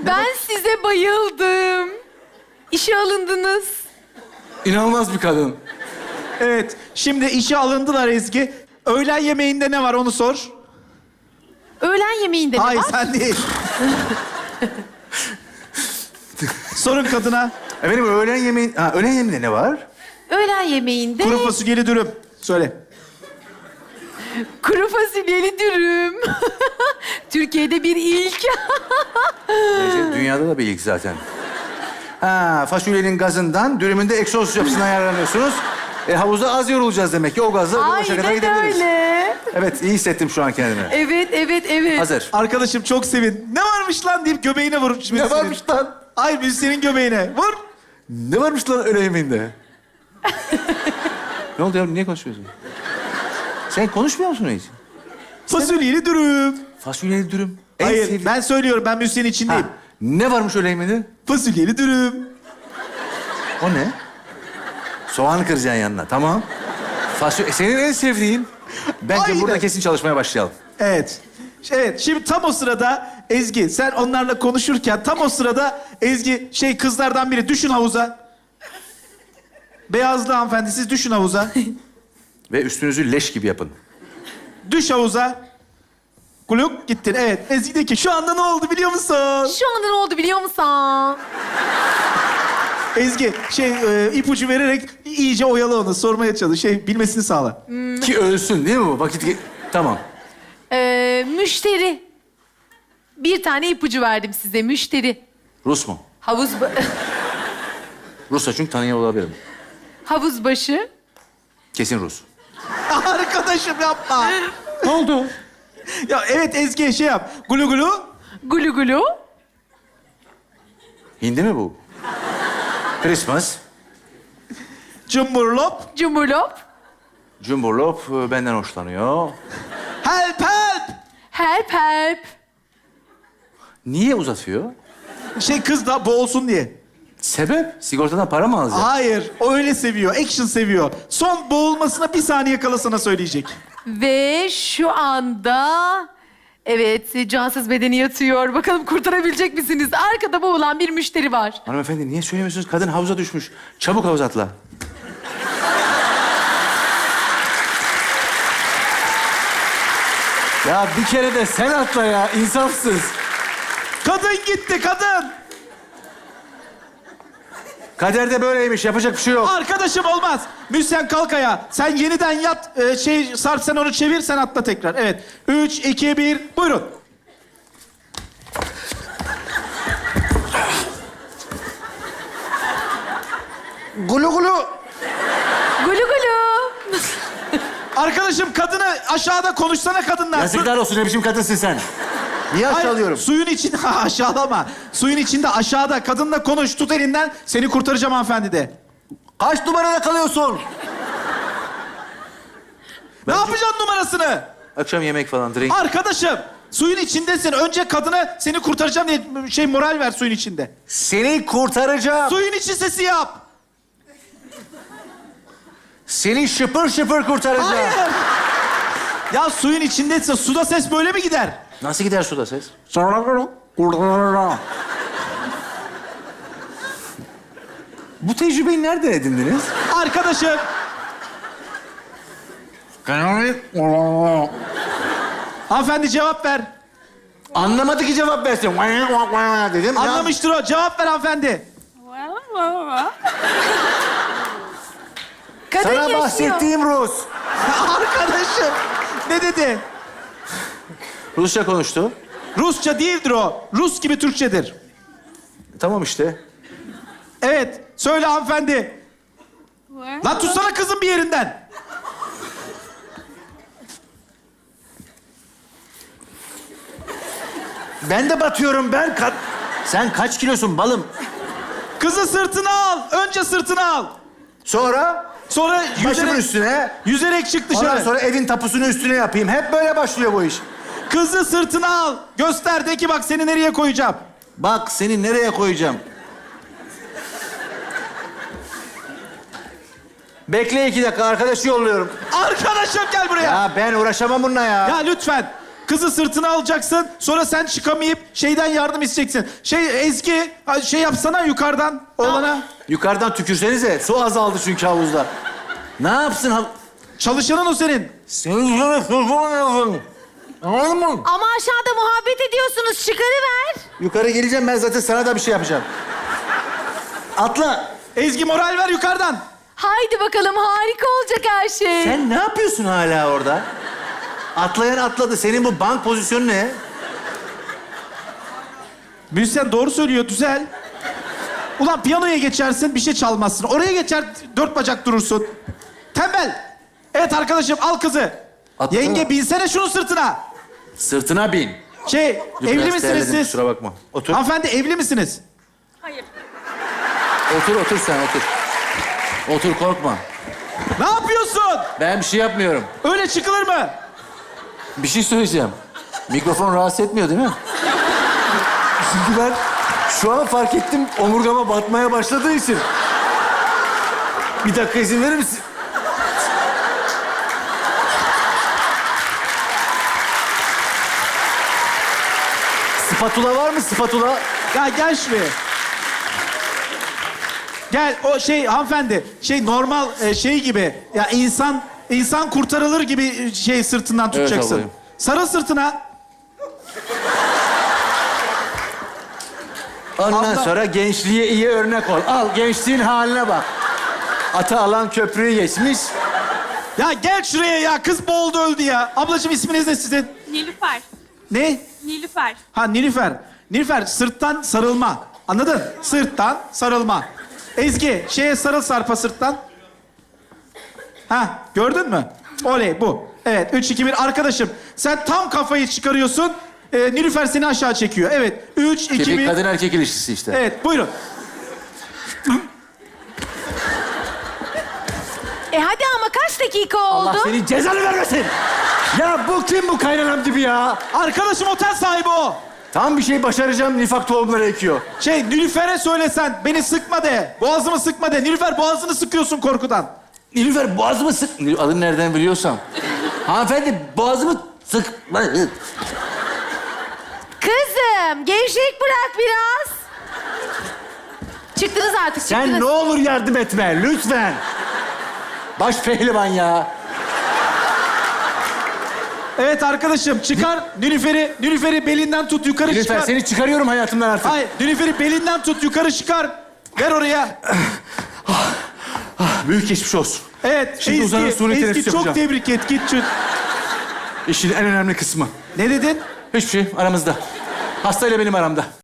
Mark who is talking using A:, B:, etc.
A: Ben size bayıldım. İşe alındınız.
B: İnanılmaz bir kadın.
C: Evet, şimdi işe alındılar Ezgi. Öğlen yemeğinde ne var onu sor.
A: Öğlen yemeğinde ne
C: Hayır,
A: var?
C: sen değil. Sorun kadına.
B: Efendim öğlen yemeğinde ne var?
A: Öğlen yemeğinde
C: Kuru fasulyeli dürüm. Söyle.
A: kuru fasulyeli dürüm. Türkiye'de bir ilk.
B: Dünyada da bir ilk zaten. Fasulyenin gazından dürümünde egzoz yapısına ayarlanıyorsunuz. Havuzda az yorulacağız demek ki. O gazla bu başa kadar
A: Aynen
B: gidebiliriz.
A: öyle.
B: Evet, iyi hissettim şu an kendimi.
A: Evet.
B: Hazır.
C: Arkadaşım çok sevin. Ne varmış lan deyip göbeğine vurmuş.
B: Ne varmış lan?
C: Hayır, müzisyenin göbeğine. Vur.
B: Ne varmış lan öğle yemeğinde? Ne oldu ya? Niye konuşuyorsun? Sen konuşmuyor musun hiç?
C: Fasulyeli dürüm.
B: Fasulyeli dürüm. En
C: Hayır,
B: sevdiğim-
C: ben söylüyorum. Ben müzisyenin içindeyim.
B: Ne varmış öğle yemeğinde?
C: Fasulyeli dürüm.
B: O ne? Soğan kıracaksın yanına. Tamam. Senin en sevdiğin. Bence
C: Aynen.
B: burada kesin çalışmaya başlayalım.
C: Evet. Evet, şimdi tam o sırada Ezgi, sen onlarla konuşurken tam o sırada Ezgi, kızlardan biri düşün havuza. Beyazlı hanımefendi, siz düşün havuza.
B: Ve üstünüzü leş gibi yapın.
C: Düş havuza. Kuluk gittin. Evet, Ezgi de ki şu anda ne oldu biliyor musun?
A: Şu anda ne oldu biliyor musun?
C: Ezgi, ipucu vererek iyice oyalı onu, sormaya çalış. Bilmesini sağla.
B: Ki ölsün değil mi bu? Tamam.
A: Müşteri. Bir tane ipucu verdim size. Müşteri.
B: Rus mu? Rus'a çünkü tanıyor olabilirim.
A: Havuz başı.
B: Kesin Rus.
C: Arkadaşım yapma.
B: Ne oldu?
C: Ya evet Ezgi yap. Gulu gulu.
A: Gulu gulu.
B: Hindi mi bu? Christmas.
C: Cumburlop.
A: Cumhurlop.
B: Cumburlop benden hoşlanıyor.
C: Help help.
A: Help.
B: Niye uzatıyor?
C: Kız da boğulsun diye.
B: Sebep? Sigortadan para mı alacak?
C: Hayır, o öyle seviyor. Action seviyor. Son boğulmasına bir saniye kala sana söyleyecek.
A: Ve şu anda... Evet, cansız bedeni yatıyor. Bakalım kurtarabilecek misiniz? Arkada boğulan bir müşteri var.
B: Hanımefendi niye söylemiyorsunuz? Kadın havuza düşmüş. Çabuk havuza atla. Ya bir kere de sen atla ya, insafsız.
C: Kadın gitti, kadın.
B: Kaderde böyleymiş, yapacak bir şey yok.
C: Arkadaşım olmaz. Müzisyen kalk ayağa. Sen yeniden yat. Sarp sen onu çevir, sen atla tekrar. Evet. 3, 2, 1, buyurun.
B: Gulu gulu.
A: Gulu gulu.
C: Arkadaşım kadını aşağıda konuşsana kadınlar.
B: Yazıklar olsun, ne biçim kadınsın sen? Niye
C: Hayır,
B: aşağılıyorum?
C: suyun içinde aşağılama. Suyun içinde aşağıda kadınla konuş. Tut elinden. Seni kurtaracağım hanımefendi de.
B: Kaç numarada kalıyorsun?
C: Ne yapacaksın numarasını?
B: Akşam yemek falan, drink.
C: Arkadaşım, suyun içindesin. Önce kadına seni kurtaracağım diye moral ver suyun içinde.
B: Seni kurtaracağım.
C: Suyun içi sesi yap.
B: Seni şıpır şıpır kurtaracağım.
C: Hayır. Ya suyun içindeyse suda ses böyle mi gider?
B: Nasıl gider suda ses? Bu tecrübeyi nereden edindiniz?
C: Arkadaşım. Hanımefendi cevap ver.
B: Anlamadı ki cevap versin. Dedim.
C: Anlamıştır o. Cevap ver hanımefendi.
A: Kadın
B: Sana
A: yaşıyor.
B: bahsettiğim Rus.
C: Arkadaşım. Ne dedi?
B: Rusça konuştu.
C: Rusça değildir o. Rus gibi Türkçedir.
B: Tamam işte.
C: Evet. Söyle hanımefendi. Lan tutsana kızın bir yerinden.
B: Ben de batıyorum ben. Sen kaç kilosun balım?
C: Kızı sırtına al. Önce sırtına al.
B: Sonra
C: Sonra
B: başımın üstüne.
C: yüzerek çık
B: Ondan
C: dışarı.
B: sonra evin tapusunu üstüne yapayım. Hep böyle başlıyor bu iş.
C: Kızı sırtına al. Göster de ki bak seni nereye koyacağım.
B: Bak seni nereye koyacağım? Bekle 2 dakika, arkadaşı yolluyorum.
C: Arkadaşım gel buraya.
B: Ya ben uğraşamam bununla ya.
C: Ya lütfen. Kızı sırtına alacaksın. Sonra sen çıkamayıp şeyden yardım isteyeceksin. Ezgi şey yapsana yukarıdan oğlana.
B: Yukarıdan tükürsenize. Su azaldı çünkü havuzda. Ne yapsın?
C: Çalışanın o senin.
B: Senin sana sormam. Anladın mı?
A: Ama aşağıda muhabbet ediyorsunuz. Çıkarıver.
B: Yukarı geleceğim, ben zaten sana da bir şey yapacağım. Atla.
C: Ezgi moral ver yukarıdan.
A: Haydi bakalım, harika olacak her şey.
B: Sen ne yapıyorsun hala orada? Atlayan atladı. Senin bu bank pozisyonu ne?
C: Müzisyen doğru söylüyor, düzel. Ulan piyanoya geçersin, bir şey çalmazsın. Oraya geçer, 4 bacak durursun. Tembel. Evet arkadaşım, al kızı.
B: Atla.
C: Yenge binsene şunun sırtına.
B: Sırtına bin.
C: Dur,
B: Biraz
C: evli misiniz
B: terledim,
C: siz?
B: kusura bakma. Otur.
C: Hanımefendi evli misiniz?
B: Otur sen otur. Otur, korkma.
C: Ne yapıyorsun?
B: Ben bir şey yapmıyorum.
C: Öyle çıkılır mı?
B: Bir şey söyleyeceğim. Mikrofon rahatsız etmiyor değil mi? Çünkü ben şu an fark ettim, omurgama batmaya başladığı için. Bir dakika izin verir misin? Spatula var mı, spatula?
C: Ya gel şuraya. Gel o hanımefendi normal şey gibi ya insan kurtarılır gibi sırtından tutacaksın.
B: ablayım.
C: Sarıl sırtına.
B: Ondan
C: Abla-
B: sonra gençliğe iyi örnek ol. Al, gençliğin haline bak. Ata alan köprüyü geçmiş.
C: Ya gel şuraya ya kız boğuldu öldü ya. Ablacığım isminiz ne sizin?
D: Nilüfer.
C: Ne?
D: Nilüfer.
C: Ha Nilüfer. Nilüfer sırttan sarılma. Anladın? Sırttan sarılma. Ezgi sarıl Sarp'a sırttan. Ha gördün mü? Oley bu. Evet 3, 2, 1 arkadaşım. Sen tam kafayı çıkarıyorsun. Nilüfer seni aşağı çekiyor. Evet 3, 2, 1.
B: Kemik kadın erkek ilişkisi işte.
C: Evet buyurun.
A: Hadi ama kaç dakika oldu?
B: Allah senin cezanı vermesin. Ya bu kim, bu kaynanam gibi ya?
C: Arkadaşım otel sahibi o.
B: Tam bir şey başaracağım, nifak tohumları ekiyor.
C: Nilüfer'e söylesen beni sıkma de. Boğazımı sıkma de. Nilüfer boğazını sıkıyorsun korkudan.
B: Nilüfer boğazımı sık... Adını nereden biliyorsam. Hanımefendi boğazımı sıkma.
A: Kızım, gevşek bırak biraz. Çıktınız artık, çıktınız.
B: Sen ne olur yardım etme, lütfen. Baş pehlivan ya.
C: Evet arkadaşım çıkar Nilüfer'i belinden tut yukarı
B: Nilüfer
C: çıkar.
B: seni çıkarıyorum hayatımdan artık.
C: Hayır Nilüfer'i belinden tut yukarı çıkar. Ver oraya.
B: Büyük geçmiş olsun.
C: Evet
B: Şimdi uzanın, suni teneffüs
C: Ezgi çok
B: yapacağım.
C: tebrik et git şu.
B: İşin en önemli kısmı.
C: Ne dedin?
B: Hiçbir şey aramızda. Hastayla benim aramda.